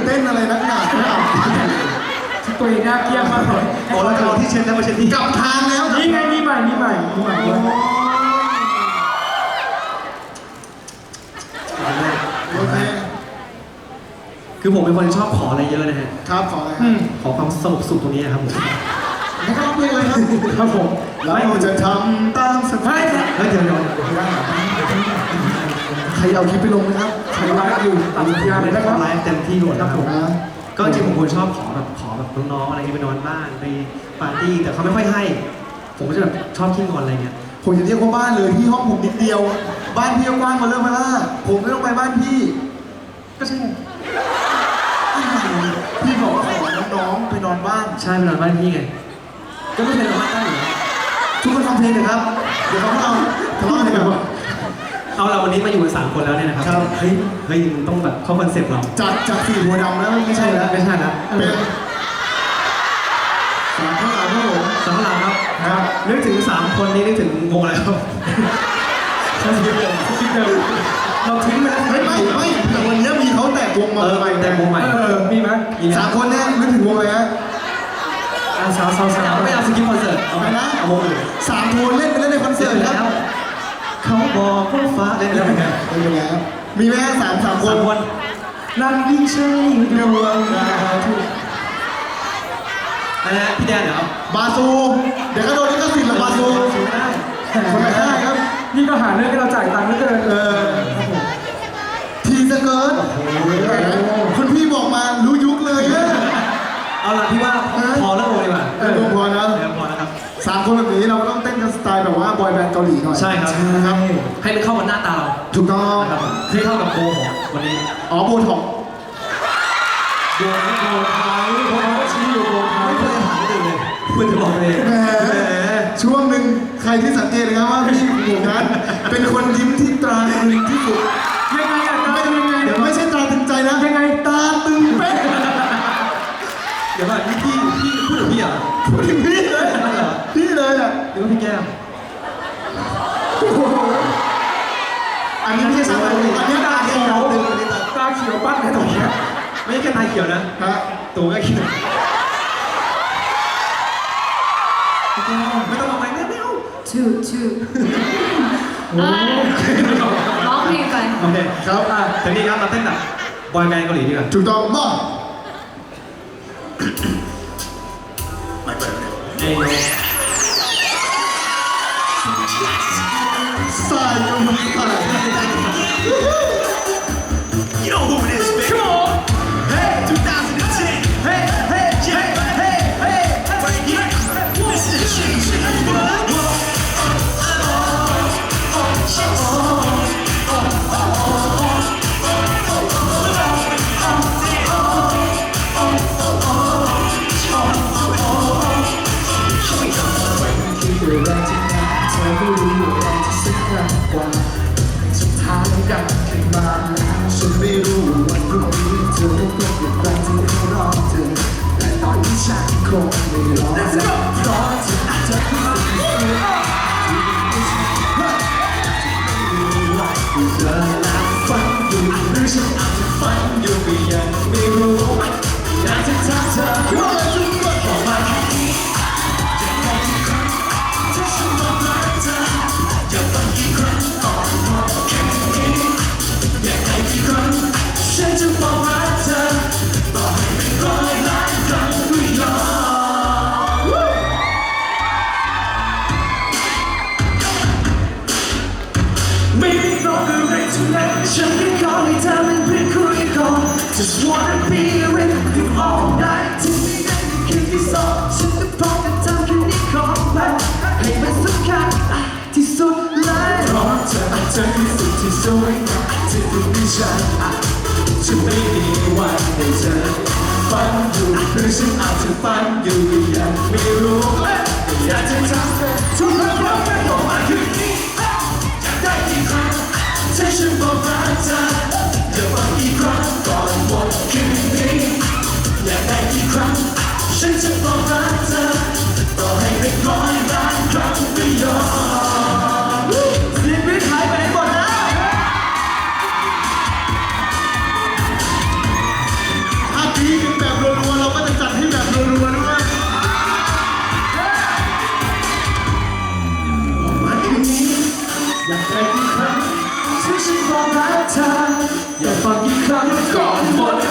ต้นอะไรนักหนาตัวเองน่าเกลียดมากเลยโอ้แล้วเอาที่เช็ดแล้วมาเช็ดที่กลับทางแล้วนี่ไงนี่ใหม่ด้วยโอเคคือผมเป็นคนชอบขออะไรเยอะนะฮะครับขออะไรขอความสงบสุขตรงนี้ครับผมไม่ต้องเพลงเลยครับครับผมเราจะทำตามสไตล์เฮ้ยเดี๋ยวใครเอาคลิปไปลงนะครับใช้ไลฟ์อยู่ตัดสัญญาณเลยนะครับไลฟ์เต็มที่หมดนะครับผมนะก็จริงผมคนชอบขอแบบน้องๆอะไรที่ไปนอนบ้านไปปาร์ตี้แต่เขาไม่ค่อยให้ ผมก็จะแบบชอบขี้งอนอะไรเงี้ยผมจะเรียกว่าบ้านเลยที่ห้องผมนิดเดียว บ้านพี่กว้างมาเริ่มมาล่าผมไม่ต้องไปบ้านพี่ก็ใช่พี่บอกว่าขอน้องๆไปนอนบ้านใช่ไปนอนบ้านพี่ไงก็ไม่เคยนอนบ้านได้อยู่แล้วทุกคนฟังเพลงหน่อยครับ เดี๋ยวเขาเอาทะเลาะกันแบบเอาเราวันนี้มาอยู่กัน3 คนแล้วเนี่ยนะครับครับเฮ้ยมึงต้องแบบเข้าคอนเซ็ปต์เราจากสี่หัวดำแล้วไม่ใช่แล้วไม่ใช่นะเป็นสามข้างหลังครับผมสำหรับครับครับนึกถึง3 คนนี้นึกถึงวงอะไรครับเราทิ้งไปแล้วไม่แต่วันนี้มีเขาแตกวงมาใหม่แต่วงใหม่มีไหมสามคนเนี่ยนึกถึงวงอะไรฮะสาวไม่เอาสกิปคอนเสิร์ตเอาไปนะเอาวงอื่นสามโทนเล่นไปเล่นในคอนเสิร์ตครับเขาบอกว่าฟ้าเล่นไปแล้วเหมือนกันเล่นไปแล้วมีไหมฮะสามคน 3 คนนั่งยิ่งใช่ดวงดาวทุกนะฮะพี่แดนเหรอบาซูเดี๋ยวก็โดนลิขสิทธิ์หรอบาซูได้คนละค่ายครับนี่ก็หาเรื่องให้เราจ่ายตังค์เหลือเกินทีสเกิร์ตคุณพี่บอกมารู้ยุคเลยนะเอาล่ะพี่ว่าพอแล้วโอ้ยดีกว่าดูพอนะพอแล้วครับสามคนแบบนี้เราก็ต้องเต้นกันสไตล์แบบว่าบอยแบนด์เกาหลีหน่อยใช่ครับนะครับให้มันเข้ากับหน้าตาเราถูกต้องนะครับให้เข้ากับโบของวันนี้อ๋อโบท็อกโดนไทยเพราะเขาก็ชี้อยู่โดนไทยไม่เคยถามคนอื่นเลยคุณจะบอกเลยแหมช่วงหนึ่งใครที่สังเกตนะครับว่าพี่หมูนั้นเป็นคนยิ้มที่ตราตรึงที่สุดยังไงอะตายังไงเดี๋ยวไม่ใช่ตราตึงใจนะยังไงตาตึงเป๊ะเดี๋ยวว่าพี่พูดถึงพี่เหรอพูดถึงพี่เลยพี่เลยอ่ะหรือว่าพี่แก้มอันนี้ไม่ใช่สามคนอันนี้ตาเขียวตึงอันนี้ตาตาเขียวปั้นเลยตรงนี้ไม่ใช่แค่ตาเขียวนะฮะตัวก็เขียวไม่ต้องมาใหม่ไม่เอาชื่อร้องเพลงไปโอเคครับทีนี้ครับเราเต้นแบบบอยแบนด์เกาหลีดีกว่าถูกต้องบ้าเอ้ยสายกำลังสาย You know who it is, baby. Come on. Hey, 2010. Hey, hey, hey, hey, hey. Right here. This is the shit. Let's go. ฉันจะบอกรักเธอต่อให้เป็น100 ล้านครั้งก็ยอมไม่ได้บอกอะไรทั้งนั้นฉันแค่ขอให้เธอเป็นเพื่อนคุยก่อน Just wanna be with you all night ที่ไม่ได้คิดที่สองฉันจะพร้อมกับเธอแค่นี้ขอไปให้มันสำคัญที่สุดเลยเพราะเธอคือสิ่งที่สวยงามที่ทำให้ฉันจะไม่มีวันได้เจอฝันอยู่หรือฉันอาจจะฝันอยู่ยังไม่รู้อยากจะทำให้ทุกคนรักกันออกมาคืนนี้อยากได้กี่ครั้งให้ฉันบอกรักเธออย่าฟังกี่ครั้งก่อนหมดคืนนี้อยากได้กี่ครั้งฉันจะบอกรักเธอต่อให้เป็น100 ล้านครั้งก็ยอมชีวิตหายไปไหนหมดแล้วถอยากฟังกี่ครั้งก่อนหมด